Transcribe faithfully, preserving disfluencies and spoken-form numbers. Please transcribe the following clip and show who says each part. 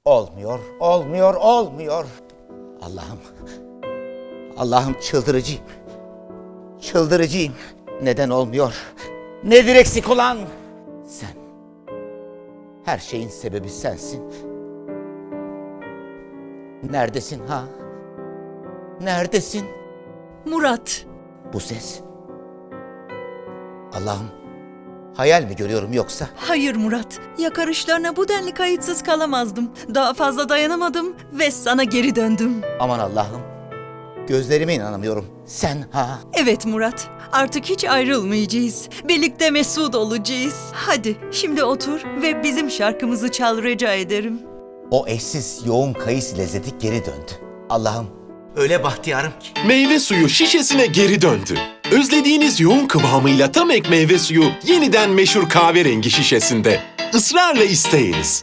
Speaker 1: Olmuyor, olmuyor, olmuyor. Allah'ım, Allah'ım çıldırıcıyım. Çıldırıcıyım. Neden olmuyor? Nedir eksik olan? Sen. Her şeyin sebebi sensin. Neredesin ha? Neredesin?
Speaker 2: Murat.
Speaker 1: Bu ses. Allah'ım, hayal mi görüyorum yoksa?
Speaker 2: Hayır Murat. Yakarışlarına bu denli kayıtsız kalamazdım. Daha fazla dayanamadım ve sana geri döndüm.
Speaker 1: Aman Allah'ım, gözlerime inanamıyorum. Sen ha?
Speaker 2: Evet Murat. Artık hiç ayrılmayacağız. Birlikte mesut olacağız. Hadi şimdi otur ve bizim şarkımızı çal rica ederim.
Speaker 1: O eşsiz yoğun kayısı lezzeti geri döndü. Allah'ım, öyle bahtiyarım ki.
Speaker 3: Meyve suyu şişesine geri döndü. Özlediğiniz yoğun kıvamıyla tam ek meyve suyu yeniden meşhur kahverengi şişesinde. Israrla isteyiniz.